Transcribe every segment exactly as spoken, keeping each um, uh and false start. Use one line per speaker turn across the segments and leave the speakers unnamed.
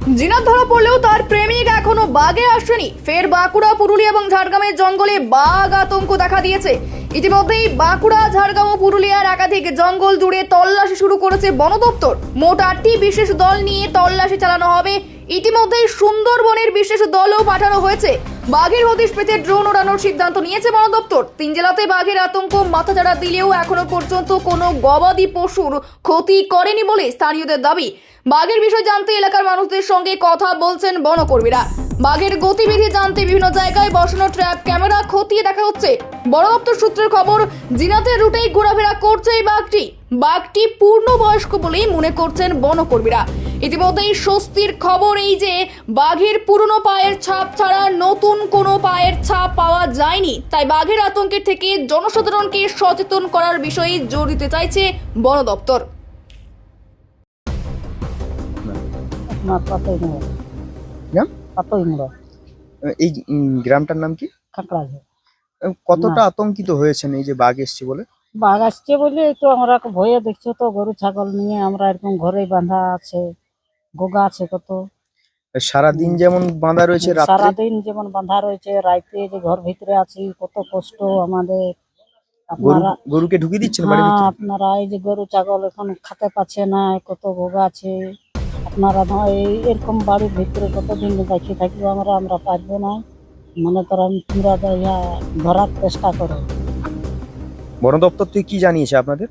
জিনাত ধরা পড়লেও তার প্রেমিক এখনো বাগে আসেনি। ফের বাঁকুড়া, পুরুলিয়া এবং ঝাড়গ্রামের জঙ্গলে বাঘ আতঙ্ক দেখা দিয়েছে। ইতিমধ্যেই বাঁকুড়া, ঝাড়গ্রাম ও পুরুলিয়ার একাধিক জঙ্গল জুড়ে তল্লাশি শুরু করেছে বন দপ্তর। মোট আটটি বিশেষ দল নিয়ে তল্লাশি চালানো হবে। ইতিমধ্যেই সুন্দরবনের বিশেষ দলও পাঠানো হয়েছে। বাঘের হদিশ পেতে ড্রোন ওড়ানোর সিদ্ধান্ত নিয়েছে বন দপ্তর। তিন জেলাতে বাঘের আতঙ্ক মাথাচাড়া দিলেও এখনো পর্যন্ত কোনো গবাদি পশুর ক্ষতি করেনি বলে স্থানীয়দের দাবি। বাঘের বিষয় জানতে এলাকার মানুষদের সঙ্গে কথা বলছেন বনকর্মীরা। বাঘের গতিবিধি জানতে বিভিন্ন জায়গায় বসানো ট্র্যাপ ক্যামেরা খতিয়ে দেখা হচ্ছে। বন দপ্তর সূত্রের খবর, জিনাতের রুটেই ঘোরাফেরা করছে এই বাঘটি। বাঘটি পূর্ণবয়স্ক বলেই মনে করছেন বনকর্মীরা। ইতিমধ্যেই স্বস্তির খবর এই যে বাঘের পুরনো পায়ের ছাপ ছাড়া নতুন কোনো পায়ের ছাপ পাওয়া যায়নি। তাই বাঘের আতঙ্কের থেকে জনসাধারণকে সচেতন করার বিষয়ে জোর দিতে চাইছে বন দপ্তর।
না পাতই মোড়
গ্রাম
পাতই মোড়
এই উম, গ্রামটার নাম কি?
কাঁকড়া
আহ, কতটা আতঙ্কিত হয়েছেন এই যে বাঘ এসছে বলে?
বাঘ আসছে বলে তো আমরা ভয়ে দেখছো তো, গরু ছাগল নিয়ে আমরা এরকম ঘরেই বাঁধা আছে, গোগা আছে কত।
সারা দিন যেমন বাঁধা রয়েছে, রাত্রে
সারাদিন যেমন বাঁধা রয়েছে, রাইতে যে ঘর ভিতরে আছি কত কষ্ট আমাদের।
গরু
আপনারা
গরুকে ঢুকিয়ে দিচ্ছেন বাড়ির
হ্যাঁ,
ভিতরে?
আপনারা এই যে গরু ছাগল এখন খেতে পাচ্ছে না, কত গোগা আছে। আপনারা না এই এরকম বাড়ির ভিতরে কতদিন দেখি থাকবো আমরা, আমরা পারবো না। মনে করেন তোমরা ইয়া ধরার চেষ্টা করো।
বন দপ্তর থেকে কি জানিয়েছে আপনাদের?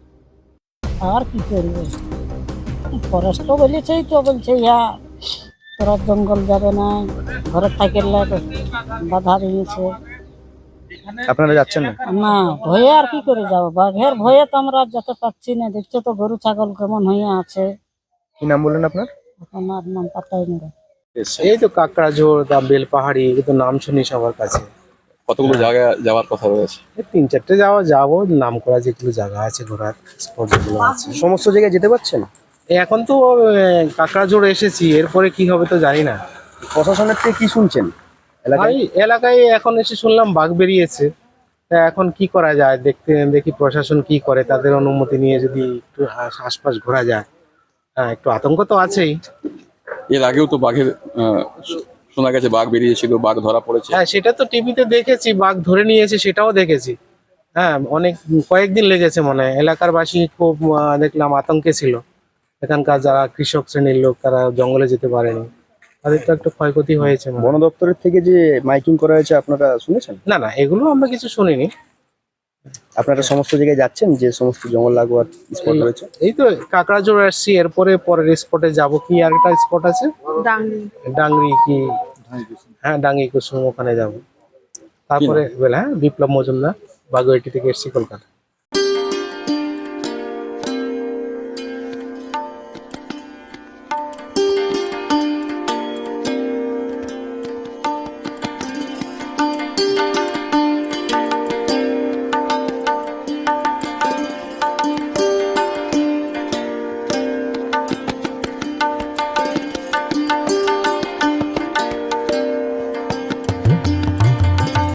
আর কি করবে, ফরেস্টও বলেছেই তো, বলছে ইয়া তোরা জঙ্গল যাবে না, ঘরে থাকলে বাধা দিয়েছে।
আপনারা যাচ্ছেন না?
না, ভয়ে আর কি করে যাবো, বাঘের ভয়ে তো আমরা আর যেতে পারছি না। দেখছো তো গরু ছাগল কেমন হয়ে আছে।
কি নাম বললেন আপনার?
আপনার নাম পাতাই নেই।
এই তো কাকড়াঝোড় বা বেলপাহাড়ি, এগুলো তো নাম শুনি সবার কাছে।
কতগুলো জায়গায় যাওয়ার কথা রয়েছে?
এই তিন চারটে যাওয়া যাবো, নাম করা যেগুলো জায়গা আছে ঘোরার স্পট যেগুলো আছে।
সমস্ত জায়গায় যেতে পারছেন?
এই এখন তো কাকড়াঝোড় এসেছি, এরপরে কি হবে তো জানি না।
প্রশাসনের থেকে কি শুনছেন এলাকায়?
এই এলাকায় এখন এসে শুনলাম বাঘ বেরিয়েছে। তা এখন কি করা যায়, দেখতে দেখি প্রশাসন কি করে, তাদের অনুমতি নিয়ে যদি একটু আশ- আশপাশ ঘোরা যায়। হ্যাঁ, একটু আতঙ্ক তো আছেই।
এর আগেও তো বাঘের আহ, শো- শোনা গেছে বাঘ বেরিয়েছিল, বাঘ ধরা পড়েছে।
হ্যাঁ, সেটা তো টিভিতে দেখেছি, বাঘ ধরে নিয়েছে সেটাও দেখেছি। হ্যাঁ, অনেক কয়েকদিন লেগেছে মনে হয়। এলাকার বাসী খুব আহ, দেখলাম আতঙ্কে ছিল। এখানকার যারা কৃষক শ্রেণীর লোক, তারা জঙ্গলে যেতে পারেনি, তাদের তো একটু ক্ষয়ক্ষতি হয়েছে মনে হয়।
বন দপ্তরের থেকে যে মাইকিং করা হয়েছে আপনারা শুনেছেন?
না না, এগুলো আমরা কিছু শুনিনি।
আপনারা সমস্ত জায়গায় যাচ্ছেন যে সমস্ত জঙ্গল লাগোয়ার স্পট রয়েছে?
এই তো কাকড়াঝোড় আসছি, এরপরে পরের স্পটে যাব। কি আর একটা স্পট আছে ডাংরি কি, হ্যাঁ ডাঙ্গি কুসুম, ওখানে যাব। তারপরে বেলা হ্যাঁ বিপ্লব মজুমদার বাগুয়াটি থেকে এসছি কলকাতা।